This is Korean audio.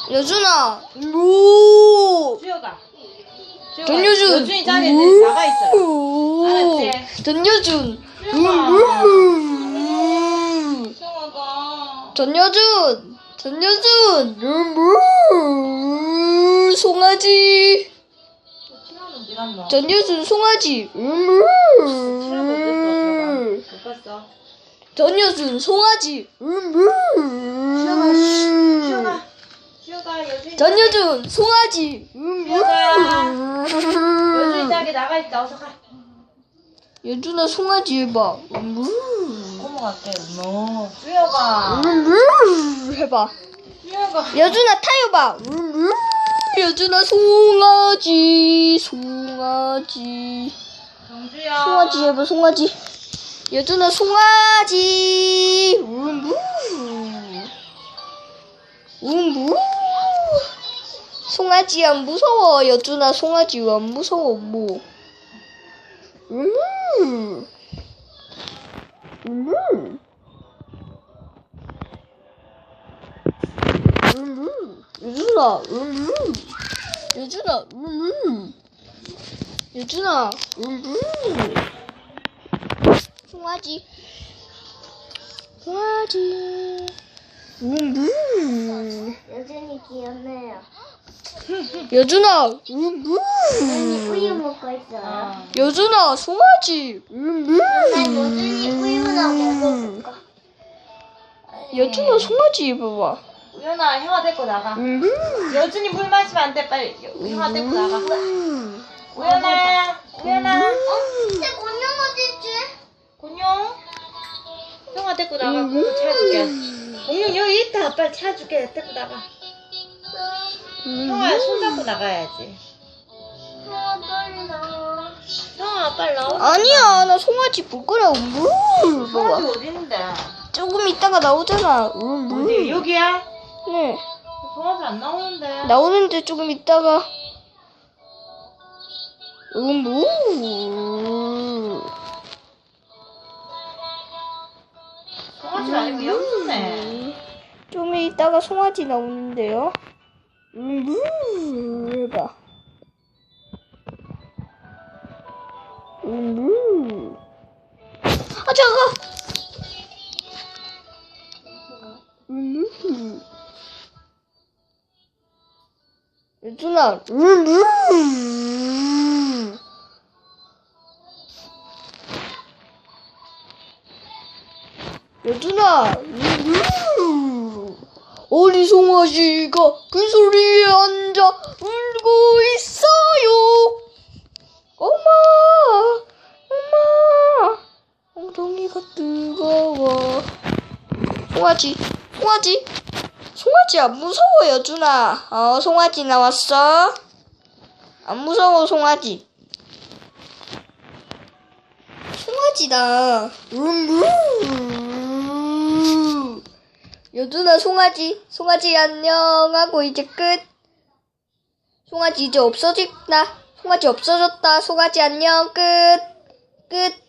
여준아. 오. 주혁아. 전여준. 여준이 자리에 나가 있어. 알았지? 전여준. 수영아가. 전여준. 송아지. 친하면 어디 갔노? 전여준 송아지. 친하면 어땠어? 못 봤어. 전여준 송아지. 수혁아 여준이. 전여준 송아지. 여준이 자리 나가 있다. 어서 가. 여준아 송아지 해봐. 넘어갈게. 너. 수혁아. 해봐. 수혁아. 여준아 타요봐. 여준아 송아지. 정주야. 송아지 해봐. 송아지. 여준아 송아지. 송아지 안 무서워. 여준아 송아지 안 무서워 뭐. 여준아 송아지 여전히 귀엽네요. 여준아 우유 먹고 있어요. 여준아 송아지 난 여전히 우유나 먹어볼까? 여준아 송아지 봐봐. 우연아 형아 데리고 나가. 여준이 물 마시면 안 돼. 빨리 형아 데리고 나가. 우연아. 근데 공룡 어디지? 공룡. 형아 데리고 나가. 공룡 찾아줄게. 공룡 여기 있다. 빨리 찾아줄게. 데리고 나가. 형아 손잡고 나가야지. 빨리 나와. 형아 빨리 나와. 아니야 나 송아지 볼 거라고. 송아지 봐봐. 어디 있는데? 조금 있다가 나오잖아. 어디 여기야? 네 송아지 안 나오는데. 나오는데 조금 있다가 송아지 아니고 염소네. 좀 있다가 송아지 나오는데요. 해봐. 아 잠깐. 여준아. 여준아. 어리 송아지가 그 소리에 앉아 울고 있어요. 엄마. 엉덩이가 뜨거워. 송아지 안 무서워 여준아. 송아지 나왔어. 안 무서워 송아지다. 여준아 송아지 안녕하고 이제 끝. 송아지 이제 없어졌다. 송아지 안녕 끝.